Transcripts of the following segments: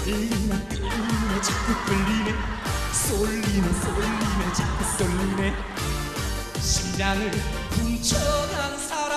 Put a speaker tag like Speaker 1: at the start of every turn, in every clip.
Speaker 1: 끌리네 끌리네 자꾸 끌리네 쏠리네 자꾸 쏠리네 심장을 훔쳐간 사람.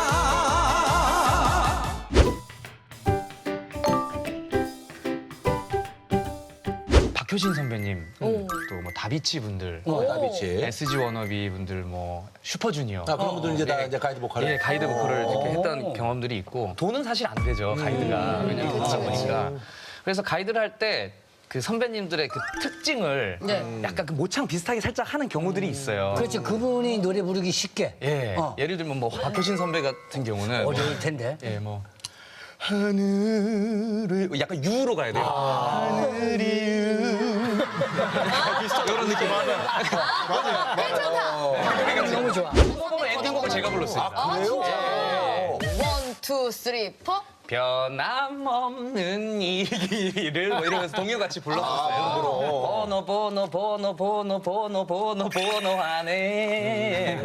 Speaker 2: 박효신 선배님, 또 뭐 다비치 분들,
Speaker 3: 다비치.
Speaker 2: SG 워너비 분들, 뭐 슈퍼주니어.
Speaker 3: 아, 그런 분들은 이제 다 이제 가이드 보컬을.
Speaker 2: 예, 가이드 보컬을 이렇게 했던 경험들이 있고 돈은 사실 안 되죠, 가이드가. 왜냐면 그러다 보니까. 그래서 가이드를 할 때 그 선배님들의 그 특징을 약간 그 모창 비슷하게 살짝 하는 경우들이 있어요.
Speaker 4: 그렇죠. 그분이 노래 부르기 쉽게.
Speaker 2: 예. 예를 들면 뭐 박효신 선배 같은 경우는
Speaker 4: 어려울 텐데.
Speaker 2: 예, 뭐 하늘을 약간 유로 가야 돼요. 하늘이 이런 느낌.
Speaker 4: 너무 좋아.
Speaker 2: 그거는 엔딩곡을 제가 불렀어요.
Speaker 3: 그래요?
Speaker 5: 원, 투, 쓰리, 포.
Speaker 2: 변함없는 이 길을 뭐 이러면서 동요같이 불렀었어요. 번호 하네.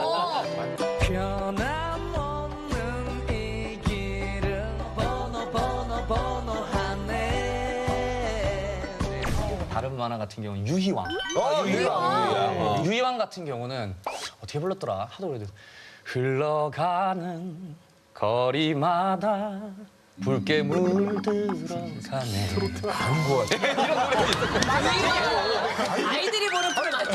Speaker 2: 변함없는 이 길을 번호 하네. 다른 만화 같은 경우는 유희왕. 유희왕 같은 경우는 어떻게 불렀더라? 하도 그래도 흘러가는 거리마다 붉게 물들어가네.
Speaker 5: 아이들이 보는 프로 맞죠?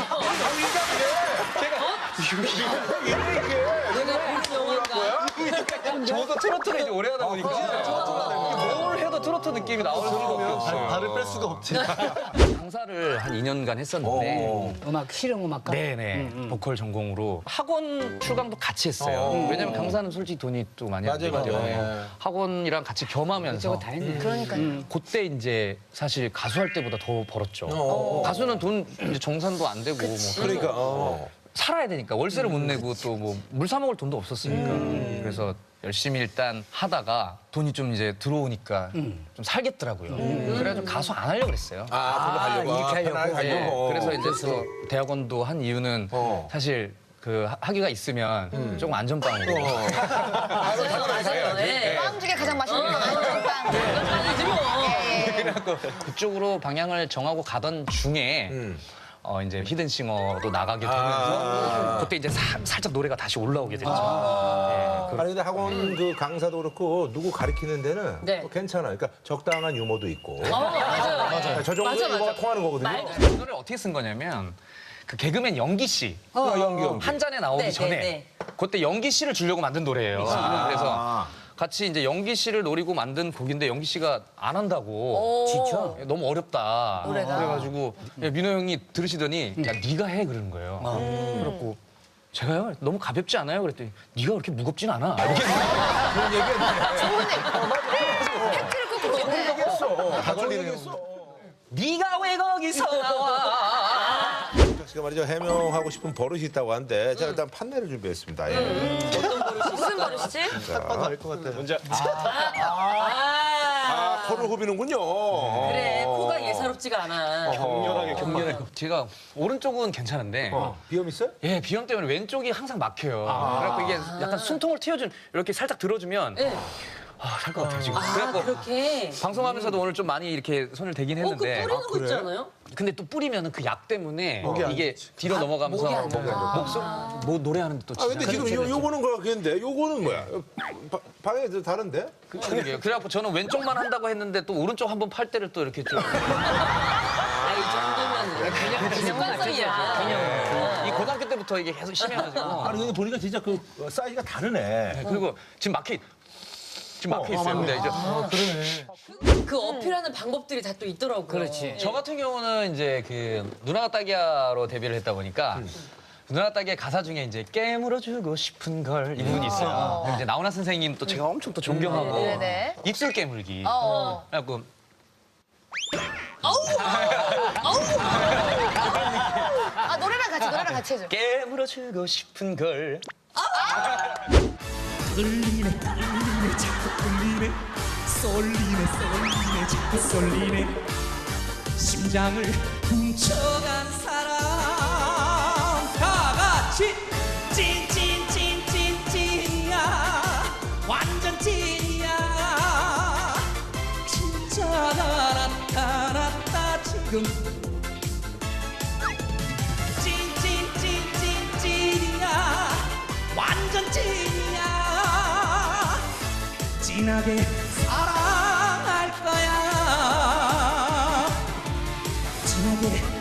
Speaker 2: 저도 트로트를 이제 오래 하다 보니까 뭘 해도 트로트 느낌이 나올 수밖에 없어요.
Speaker 3: 발을 뺄 수가 없지.
Speaker 2: 강사를 한 2년간 했었는데
Speaker 4: 음악, 실용음악가?
Speaker 2: 네네 보컬 전공으로 학원 출강도 같이 했어요. 왜냐면 강사는 솔직히 돈이 또 많이 안 들기
Speaker 3: 맞아요.
Speaker 2: 때문에 학원이랑 같이 겸하면서
Speaker 4: 저거 다 했네.
Speaker 5: 그러니까요.
Speaker 2: 그때 이제 사실 가수할 때보다 더 벌었죠. 가수는 돈 이제 정산도 안 되고 뭐
Speaker 3: 그러니까.
Speaker 2: 살아야 되니까 월세를 못 내고 또 뭐 물 사 먹을 돈도 없었으니까 그래서 열심히 일단 하다가 돈이 좀 이제 들어오니까 좀 살겠더라고요. 그래가지고 가수 안 하려고 그랬어요.
Speaker 3: 별로 하려고.
Speaker 4: 이렇게 하려고.
Speaker 3: 편하게
Speaker 2: 예,
Speaker 3: 하려고.
Speaker 2: 그래서 이제 또 대학원도 한 이유는 사실 그 학위가 있으면 조금 안전빵으로
Speaker 5: 맞아요. 예.
Speaker 6: 빵 중에 가장 맛있는 건 안전빵.
Speaker 5: 아니지 뭐.
Speaker 2: 그래갖고 그쪽으로 방향을 정하고 가던 중에 이제 히든싱어도 나가게 되면서 그때 이제 살짝 노래가 다시 올라오게 됐죠.
Speaker 3: 아니 근데 학원 그 강사도 그렇고 누구 가르치는 데는
Speaker 5: 네.
Speaker 3: 또 괜찮아. 그러니까 적당한 유머도 있고.
Speaker 5: 맞아요.
Speaker 3: 저 정도
Speaker 5: 맞아,
Speaker 3: 유머가
Speaker 5: 맞아.
Speaker 3: 통하는 거거든요.
Speaker 2: 이 노래를 어떻게 쓴 거냐면 그 개그맨 연기 씨
Speaker 3: 연기.
Speaker 2: 한 잔에 나오기
Speaker 5: 네,
Speaker 2: 전에
Speaker 5: 네, 네.
Speaker 2: 그때 연기 씨를 주려고 만든 노래예요. 그래서 같이 이제 연기 씨를 노리고 만든 곡인데 연기 씨가 안 한다고
Speaker 4: 지쳐?
Speaker 2: 너무 어렵다.
Speaker 5: 노래가.
Speaker 2: 그래가지고 민호 형이 들으시더니 야 네가 해 그러는 거예요. 그래갖고 제가요 너무 가볍지 않아요? 그랬더니 네가 그렇게 무겁진 않아. 이렇게
Speaker 3: 그런 얘기했네.
Speaker 6: 팩트를 꼭 그렇게
Speaker 3: 얘기했어. 다 좋은 얘기했어.
Speaker 2: 네가 왜 거기서 나와?
Speaker 3: 제가 말이죠 해명하고 싶은 버릇이 있다고 하는데 제가 일단 판넬을 준비했습니다. 예.
Speaker 5: 무슨 버릇이지?
Speaker 3: 알것 같아. 먼저
Speaker 5: 아,
Speaker 3: 코를 후비는군요.
Speaker 5: 그래. 코가 예사롭지가 않아.
Speaker 2: 격렬하게. 제가 오른쪽은 괜찮은데
Speaker 3: 비염 있어요?
Speaker 2: 예 비염 때문에 왼쪽이 항상 막혀요. 그래갖고 이게 약간 숨통을 틔워준 이렇게 살짝 들어주면
Speaker 5: 네.
Speaker 2: 살 것 같아요 지금.
Speaker 5: 아,
Speaker 2: 그래갖고
Speaker 5: 그렇게.
Speaker 2: 방송하면서 오늘 좀 많이 이렇게 손을 대긴
Speaker 5: 그
Speaker 2: 했는데
Speaker 5: 뿌리는 거 있지 않아요?
Speaker 2: 근데 또 뿌리면은 그 약 때문에
Speaker 3: 안
Speaker 2: 이게 뒤로 넘어가면서
Speaker 5: 목이 안 좋아.
Speaker 2: 목소리 뭐 노래하는데 또
Speaker 3: 아 근데 지금 요거는 거겠는데 요거는 뭐야? 방에 다른데?
Speaker 2: 그러게요. 그래갖고 저는 왼쪽만 한다고 했는데 또 오른쪽 한번 팔 때를 또 이렇게 좀
Speaker 5: 아, 이 정도면 습관성이야.
Speaker 2: 이 고등학교 때부터 이게 계속 심해가지고
Speaker 3: 아니 근데 보니까 진짜 그 사이즈가 다르네.
Speaker 2: 그리고 지금 막혀 있어요. 근데 이제
Speaker 5: 그 어필하는 방법들이 다 또 있더라고요.
Speaker 4: 그렇지.
Speaker 2: 저 같은 경우는 이제 그 누나가 딸기야로 데뷔를 했다 보니까 누나가 딸기의 가사 중에 이제 깨물어 주고 싶은 걸 이 부분이 있어요. 그럼 이제 나훈아 선생님 또 제가 엄청 또 존경하고
Speaker 6: 네네.
Speaker 2: 입술 깨물기.
Speaker 6: 어.
Speaker 2: 그래갖고
Speaker 6: 아 노래랑 같이 해줘.
Speaker 2: 깨물어 주고 싶은 걸
Speaker 1: 끌리네 끌리네 자꾸 끌리네 쏠리네 자꾸 쏠리네 심장을 훔쳐간 사람 다 같이 찐찐찐찐찐이야 완전 찐이야 진짜 나란 지금 찐이야 완전 찐이야 진하게 사랑할 거야 진하게